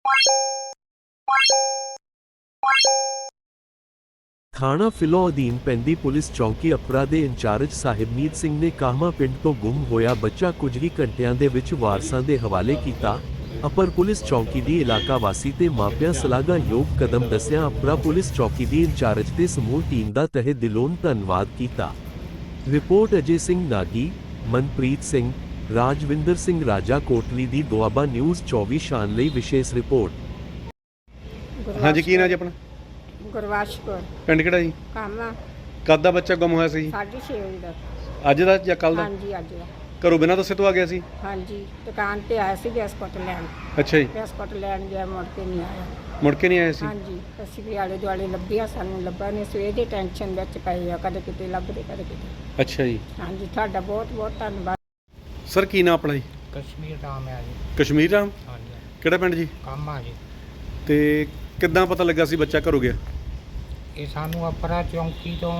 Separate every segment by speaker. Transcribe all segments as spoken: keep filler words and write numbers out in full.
Speaker 1: ਥਾਣਾ ਫਿਲੌ ਅਧੀਨ ਪੈਂਦੀ ਪੁਲਿਸ ਚੌਕੀ ਅਪਰਾ ਦੇ ਇੰਚਾਰਜ ਸਾਹਿਬਮੀਤ ਸਿੰਘ ਨੇ ਕਾਹਮਾ ਪਿੰਡ ਤੋਂ ਗੁੰਮ ਹੋਇਆ ਬੱਚਾ ਕੁਝ ਹੀ ਘੰਟਿਆਂ ਦੇ ਵਿੱਚ ਵਾਰਸਾਂ ਦੇ ਹਵਾਲੇ ਕੀਤਾ। ਅਪਰ ਪੁਲਿਸ ਚੌਕੀ ਦੀ ਇਲਾਕਾ ਵਾਸੀ ਤੇ ਮਾਪਿਆਂ ਸ਼ਲਾਘਾਯੋਗ ਕਦਮ ਦੱਸਿਆ। ਅਪਰਾ ਪੁਲਿਸ ਚੌਕੀ ਦੀ ਇੰਚਾਰਜ ਤੇ ਸਮੂਹ ਟੀਮ ਦਾ ਤਹਿ ਦਿਲੋਂ ਧੰਨਵਾਦ ਕੀਤਾ। ਰਿਪੋਰਟ ਅਜੇ ਸਿੰਘ ਨਾਗੀ, ਮਨਪ੍ਰੀਤ ਸਿੰਘ, ਰਾਜਵਿੰਦਰ ਸਿੰਘ ਰਾਜਾ ਕੋਟਲੀ ਦੀ ਦੁਆਬਾ ਨਿਊਜ਼ ਚੌਵੀ ਸ਼ਾਨ ਲਈ ਵਿਸ਼ੇਸ਼ ਰਿਪੋਰਟ।
Speaker 2: ਹਾਂਜੀ, ਕੀ ਨਾਂ ਜੀ ਆਪਣਾ?
Speaker 3: ਗੁਰਵਾਸ਼ ਕੌਰ।
Speaker 2: ਪਿੰਡ ਕਿਹੜਾ ਜੀ?
Speaker 3: ਕਾਮਾ।
Speaker 2: ਕਦ ਦਾ ਬੱਚਾ ਗੁੰਮ ਹੋਇਆ ਸੀ ਜੀ?
Speaker 3: ਸਾਢੇ ਛੇ ਵਜੇ ਦਾ।
Speaker 2: ਅੱਜ ਦਾ ਜਾਂ ਕੱਲ ਦਾ?
Speaker 3: ਹਾਂਜੀ, ਅੱਜ ਦਾ।
Speaker 2: ਘਰੋਂ ਬਿਨਾਂ ਦੱਸੇ ਤੋਂ ਆ ਗਿਆ ਸੀ?
Speaker 3: ਹਾਂਜੀ, ਦੁਕਾਨ ਤੇ ਆਇਆ ਸੀ ਬਿਸਕੁਟ ਲੈਣ।
Speaker 2: ਅੱਛਾ ਜੀ।
Speaker 3: ਬਿਸਕੁਟ ਲੈਣ ਗਿਆ, ਮੁੜ ਕੇ ਨਹੀਂ ਆਇਆ।
Speaker 2: ਮੁੜ ਕੇ ਨਹੀਂ ਆਇਆ ਸੀ?
Speaker 3: ਹਾਂਜੀ, ਅਸੀਂ ਵੀ ਆਲੇ ਦੁਆਲੇ ਲੱਭਿਆ, ਸਾਨੂੰ ਲੱਭਾ ਨਹੀਂ। ਸਵੇਰ ਦੇ ਟੈਨਸ਼ਨ ਵਿੱਚ ਪਏ ਆ, ਕਦੇ ਕਿਤੇ ਲੱਭਦੇ ਕਦੇ ਕਿਤੇ।
Speaker 2: ਅੱਛਾ ਜੀ।
Speaker 3: ਹਾਂਜੀ, ਤੁਹਾਡਾ ਬਹੁਤ ਬਹੁਤ ਧੰਨਵਾਦ।
Speaker 2: ਸਰ, ਕੀ ਨਾਂ ਆਪਣਾ ਜੀ?
Speaker 4: ਕਸ਼ਮੀਰ ਰਾਮ ਹੈ ਜੀ।
Speaker 2: ਕਸ਼ਮੀਰ ਰਾਮ?
Speaker 4: ਹਾਂਜੀ,
Speaker 2: ਕਿਹੜਾ ਪਿੰਡ ਜੀ?
Speaker 4: ਕਾਮਾ ਜੀ।
Speaker 2: ਤੇ ਕਿੱਦਾਂ ਪਤਾ ਲੱਗਾ ਸੀ ਬੱਚਾ ਘਰੋਂ ਗਿਆ?
Speaker 4: ਇਹ ਸਾਨੂੰ ਅਪਰਾ ਚੌਂਕੀ ਤੋਂ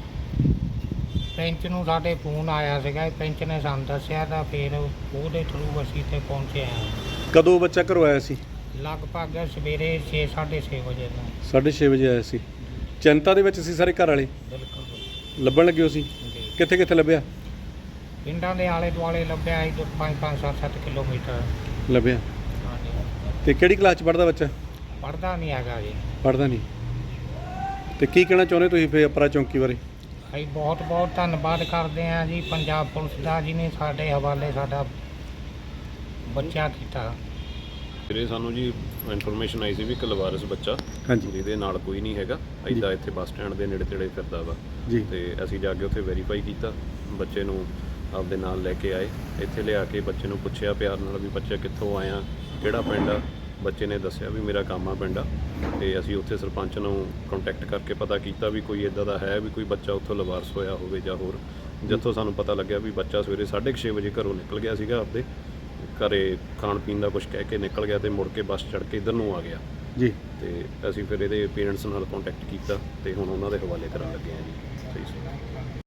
Speaker 4: ਪੈਂਚ ਨੂੰ ਸਾਡੇ ਫੋਨ ਆਇਆ ਸੀਗਾ। ਇਹ ਪੈਂਚ ਨੇ ਸਾਨੂੰ ਦੱਸਿਆ ਤਾਂ ਫਿਰ ਉਹਦੇ ਥਰੂ ਅਸੀਂ ਇੱਥੇ ਪਹੁੰਚੇ ਹਾਂ।
Speaker 2: ਕਦੋਂ ਬੱਚਾ ਘਰੋਂ ਆਇਆ ਸੀ?
Speaker 4: ਲਗਭਗ ਸਵੇਰੇ ਛੇ ਸਾਢੇ ਛੇ ਵਜੇ ਦਾ।
Speaker 2: ਸਾਢੇ ਛੇ ਵਜੇ ਆਇਆ ਸੀ। ਚਿੰਤਾ ਦੇ ਵਿੱਚ ਸੀ ਸਾਰੇ ਘਰ ਵਾਲੇ?
Speaker 4: ਬਿਲਕੁਲ
Speaker 2: ਲੱਭਣ ਲੱਗੇ ਹੋ ਸੀ?
Speaker 4: ਜੀ।
Speaker 2: ਕਿੱਥੇ ਕਿੱਥੇ ਲੱਭਿਆ?
Speaker 4: ਪਿੰਡਾਂ ਦੇ ਆਲੇ ਦੁਆਲੇ ਲੱਭਿਆ ਸੀ ਪੰਜ ਪੰਜ ਸੱਤ ਸੱਤ ਕਿਲੋਮੀਟਰ।
Speaker 2: ਲੱਭਿਆ।
Speaker 4: ਹਾਂਜੀ।
Speaker 2: ਤੇ ਕਿਹੜੀ ਕਲਾਸ 'ਚ ਪੜ੍ਹਦਾ ਬੱਚਾ?
Speaker 4: ਪੜ੍ਹਦਾ ਨਹੀਂ ਹੈਗਾ ਜੀ।
Speaker 2: ਪੜ੍ਹਦਾ ਨਹੀਂ। ਤੇ ਕੀ ਕਹਿਣਾ ਚਾਹੁੰਦੇ ਤੁਸੀਂ ਫਿਰ ਅਪਰਾ ਚੌਂਕੀ ਬਾਰੇ?
Speaker 4: ਅਸੀਂ ਬਹੁਤ ਬਹੁਤ ਧੰਨਵਾਦ ਕਰਦੇ ਹਾਂ ਜੀ ਪੰਜਾਬ ਪੁਲਿਸ ਦਾ, ਜਿਹਨੇ ਸਾਡੇ ਹਵਾਲੇ ਸਾਡਾ ਬੱਚਾ ਕੀਤਾ।
Speaker 5: ਵੀਰੇ ਸਾਨੂੰ ਜੀ ਇਨਫੋਰਮੇਸ਼ਨ ਆਈ ਸੀ ਵੀ ਇੱਕ ਲਵਾਰਸ ਬੱਚਾ
Speaker 2: ਹਾਂਜੀ।
Speaker 5: ਜਿਹਦੇ ਨਾਲ ਕੋਈ ਨਹੀਂ ਹੈਗਾ, ਇੱਦਾਂ ਇੱਥੇ ਬੱਸ ਸਟੈਂਡ ਦੇ ਨੇੜੇ ਤੇੜੇ ਫਿਰਦਾ ਵਾ
Speaker 2: ਜੀ।
Speaker 5: ਤੇ ਅਸੀਂ ਜਾ ਕੇ ਉੱਥੇ ਵੈਰੀਫਾਈ ਕੀਤਾ, ਬੱਚੇ ਨੂੰ ਆਪਦੇ ਨਾਲ ਲੈ ਕੇ ਆਏ। ਇੱਥੇ ਲਿਆ ਕੇ ਬੱਚੇ ਨੂੰ ਪੁੱਛਿਆ ਪਿਆਰ ਨਾਲ ਵੀ ਬੱਚਾ ਕਿੱਥੋਂ ਆਇਆ, ਕਿਹੜਾ ਪਿੰਡ ਆ। ਬੱਚੇ ਨੇ ਦੱਸਿਆ ਵੀ ਮੇਰਾ ਕਾਮਾ ਪਿੰਡ ਆ। ਤੇ ਅਸੀਂ ਉੱਥੇ ਸਰਪੰਚ ਨੂੰ ਕੰਟੈਕਟ ਕਰਕੇ ਪਤਾ ਕੀਤਾ ਵੀ ਕੋਈ ਇੱਦਾਂ ਦਾ ਹੈ ਵੀ ਕੋਈ ਬੱਚਾ ਉੱਥੋਂ ਲਵਾਰਸ ਹੋਇਆ ਹੋਵੇ ਜਾਂ ਹੋਰ। ਜਿੱਥੋਂ ਸਾਨੂੰ ਪਤਾ ਲੱਗਿਆ ਵੀ ਬੱਚਾ ਸਵੇਰੇ ਸਾਢੇ ਕੁ ਛੇ ਵਜੇ ਘਰੋਂ ਨਿਕਲ ਗਿਆ ਸੀਗਾ, ਆਪਦੇ ਘਰੇ ਖਾਣ ਪੀਣ ਦਾ ਕੁਝ ਕਹਿ ਕੇ ਨਿਕਲ ਗਿਆ ਤੇ ਮੁੜ ਕੇ ਬੱਸ ਚੜ੍ਹ ਕੇ ਇੱਧਰ ਨੂੰ ਆ ਗਿਆ
Speaker 2: ਜੀ।
Speaker 5: ਤੇ ਅਸੀਂ ਫਿਰ ਇਹਦੇ ਪੇਰੈਂਟਸ ਨਾਲ ਕੰਟੈਕਟ ਕੀਤਾ ਤੇ ਹੁਣ ਉਹਨਾਂ ਦੇ ਹਵਾਲੇ ਕਰਨ ਲੱਗੇ ਹਾਂ ਜੀ। ਸਹੀ ਸੀ।